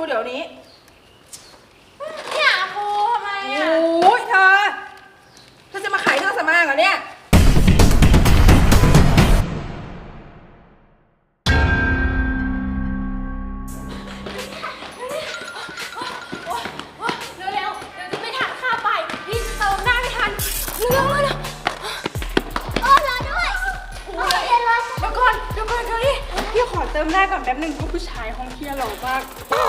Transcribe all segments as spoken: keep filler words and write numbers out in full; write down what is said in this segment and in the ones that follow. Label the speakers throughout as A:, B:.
A: เดี๋ยวนี้
B: เนี่ยครูทำไมอ่ะ
A: โอ้ยเธอเธอจะมาขายเครื่องสำอางเหรอเนี่ย
B: เร็วเร็วเดี๋ยวจะไม่ทันค่าไปพี่จะเติมหน้าไม่ทันเร็วเร็วโอ้รอด้วยโอ้ยเดี๋ยวก่อนเดี๋ยวก่อนเดี๋ยวนี้พี่ขอเติมหน้าก่อนแป๊บนึงเพราะผู้ชายห้องเที่ยวหล่อมาก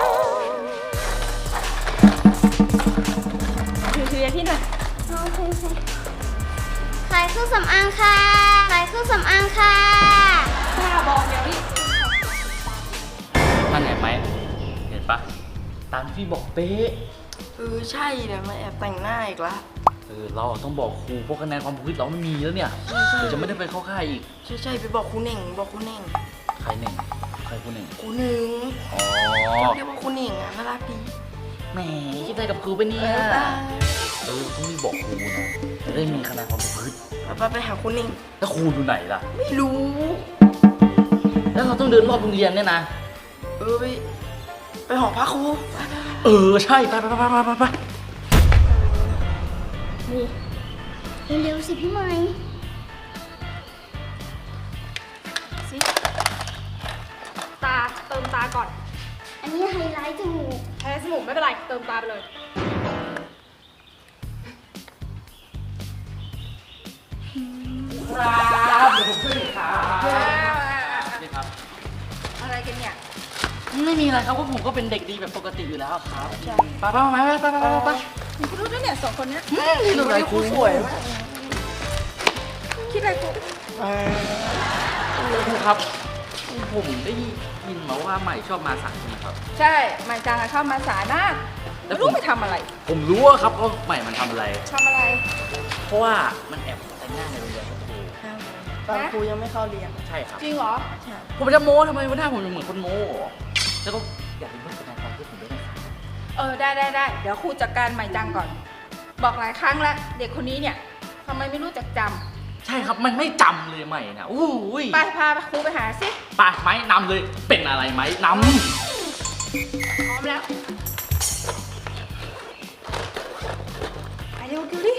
B: เชียร์ที่หน่อย
C: โอเคขายเครื่องสำอางค่ะขายเครื่องสำอางค่ะ
B: บ้าบอกเดี๋ยวนี้
D: ท่านเห็นไหมเห็นปะตามที่พี่บอกเป๊ะ
A: เออใช่เดี๋ยวมาแอบแต่งหน้าอีกละ
D: เออเราต้องบอกครูเพราะคะแนนความประพฤติเราไม่มีแล้วเนี่ยเดี๋ยวจะไม่ได้ไปเข้าค่ายอีก
A: ใช่ใช่ไปบอกครูเน่งบอกครูเน่ง
D: ใครหนึ่งใครครูหนึ่ง
A: ครูหนึ่ง
D: อ๋อ
A: เรียกว่าครูเน่งอ่ะน่ารักดี
D: แหมคิดได้กับครูไปเนี่ยเออต้องรีบบอกครูนะจะได้มีคะแนนความประพฤติ
A: ไปไปหาครูเน่ง
D: แล้วครูอยู่ไหนล่ะ
A: ไม่รู้
D: แล้วเราต้องเดินรอบโรงเรียนเนี่ยนะ
A: เออไปไปหอพักครู
D: เออใช่ไปไปไปไปไป
C: นี่เร็วๆสิพี่ไม้
B: สิตาเติมตาก่อน
C: อันนี้ไฮไลท์จมูก
B: ไฮไลท์จมูกไม่เป็นไรเติมตาไปเลย
D: ครับเดี๋ยวผมช่วยครับนี่ครับ
A: อะไรกันเนี่ย
D: ไม่มีอะไรครับเพราะผมก็เป็นเด็กดีแบบปกติอยู่แล้วครับไปไปไปไปไปไปไป
A: คุณรู้ด้วยเนี่ยสองคนเนี้ย
D: นี่ดูไรครูสวยมาก
A: คิดอะไรครู
D: ครูครับผมได้ยินมาว่าใหม่ชอบมาสายใช่ไหมครับ
A: ใช่ใหม่จังชอบมาสายมากแล้วรู้ไปทำอะไร
D: ผมรู้ว่าครับว่าใหม่มันทำอะไร
A: ทำอะไร
D: เพราะว่ามันแอบแต่งหน้าในโรงเรียนครับครู
A: ตอนครูยังไม่เข้าเรียน
D: ใช่ครับ
A: จริงเหรอ
D: ผมจะโม้ทำไมวันหน้าผมเหมือนคนโม้แล้วก็อยากเป็นเพื่อนกันความคิดผมด้วยนะ
A: เออได้ได้ได้เดี๋ยวครูจัดการใหม่จังก่อนบอกหลายครั้งแล้วเด็กคนนี้เนี่ยทำไมไม่รู้จักจำ
D: ใช่ครับมันไม่จำเลยใหม่นะอู้ย
A: ไปพาครูไปหาสิ
D: ไปไหมนำเลยเป็นอะไรไหมนำ
A: พร้อมแล้วไปเร็วกิวดิ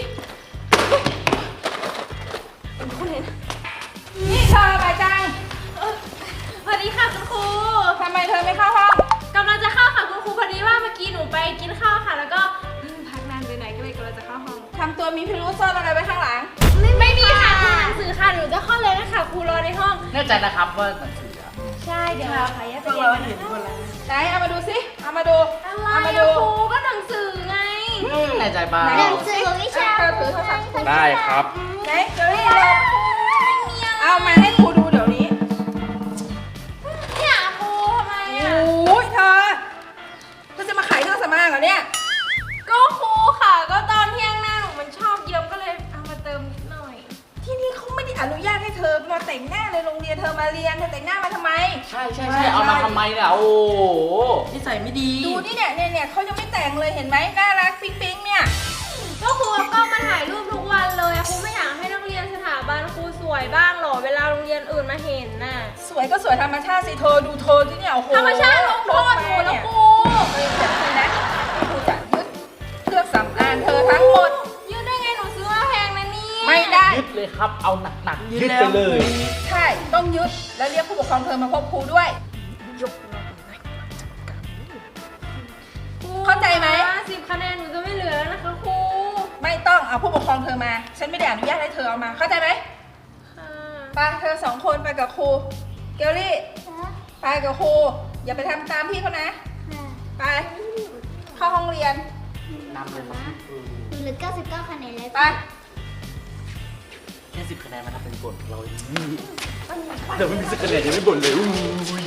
A: คุณเห็นนี่เธอใหม่จัง
B: สวัสดีค่ะคุณครู
A: ทำไมเธอไม่เข้าห้อง
B: กำลังจะเข้าค่ะคุณครูพอดีว่าเมื่อกี้หนูไปกินข้าวค่ะแล้วก็พักนานไปไหนก็เลยกำลังจะเข้าห้อง
A: ทำตัวมีพิรุธซ่อนอะไรไว้ข้างหลัง
B: ไม่ไม่มีค่ะคือหนังสือค่ะหนูจะเข้าเลยนะคะครูรอในห้อง
D: แน่ใจนะครับว่าหนังสือ
B: ใช่เดี๋ยวค่ะแยกไป
A: เห็นคนละไหนเอามาดูสิเอามาดู
B: เอามาดูครูก็หนังสือไง
D: แน่ใจป่ะ
C: หนังสือวิชา
D: ได้ครับ
A: ไหนเดี๋ยวนี้เราเอามาให้ครูดูเดี๋ยวนี้
B: เนี่ยครูทำไมอ่ะ
A: โอ้ยเธอเธอจะมาขายเครื่องสำอางเหรอเนี่ย
B: ก็ครูค่ะก็ตอนเที่ยงหน้าหนูมันชอบเยิ้มก็เลยเอามาเติมนิดหน่อย
A: ที่นี่เขาไม่ได้อนุญาตให้เธอมาแต่งหน้าในโรงเรียนเธอมาเรียนเธอแต่งหน้ามาทำไม
D: ใช่ใช่ใช่เอามาทำไมเนี่ยโอ้
A: นิสัยไม่ดีดูนี่เนี่ยเนี่ยเนี่ยเขายังไม่แต่งเลยเห็นไหมน่ารักปิ๊งปิ๊งเนี่ย
B: ก็ครูก็มาถ่ายรูปทุกวันเลยครูไม่อยากให้นักเรียนสถาบันครูสวยบ้างหรอเวลาโรงเรียนอื่นมาเห็นน่ะ
A: สวยก็สวยธรรมชาติสิเธอดูเธอที่เนี่ยโอ้โห
B: ธรรมชาติลงโทษหนูแล้วครู
A: เฮ้ยเดี๋ยวคุณนะครูจะยึดเครื่องสำอางเธอทั้งหมด
B: ยึดได้ไงหนูซื้อมาแพงนะนี่
A: ไม่ได้
D: ยึดเลยครับเอาหนักๆยึดไปเลย
A: ใช่ต้องยึดแล้วเรียกผู้ปกครองเธอมาพบครูด้วยเข้าใจไหม
B: สิบคะแนนหนูจะไม่เหลือแล้วนะคะครู
A: ไม่ต้องเอาผู้ปกครองเธอมาฉันไม่ได้อนุญาตให้เธอเอามาเข้าใจไหมไปเธอสองคนไปกับครูเกลลี่ไปกับครูอย่าไปทำตามพี่เขานะไปเข้าห้องเรียน
D: นำเลยครับ
C: หนูเหลือเก้าสิบเก้าคะแนนแล้ว
A: ไป
D: แค่สิบคะแนนมันทำเป็นบ่นเราเดี๋ยวไม่มีสิบคะแนนยังไม่บ่นเลยอุ้ย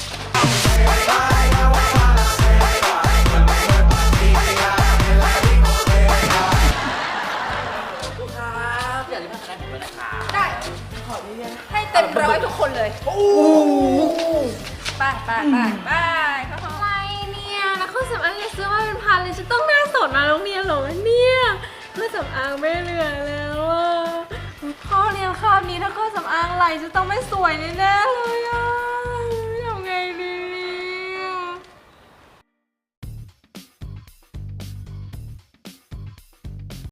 A: ได้ขอเรียนให้เต็มร้อยทุกคนเลยโอ้ไปไปไปไปเข้าห้อง
B: อะไรเนี่ยแล้วเครื่องสำอางจะซื้อมาเป็นพันเลยฉันต้องหน้าสดมาโรงเรียนหรอเนี่ยเครื่องสำอางไม่เหลือแล้วอ่ะพ่อเรียนคาบนี้ถ้าเครื่องสำอางไหลจะต้องไม่สวยแน่ๆเล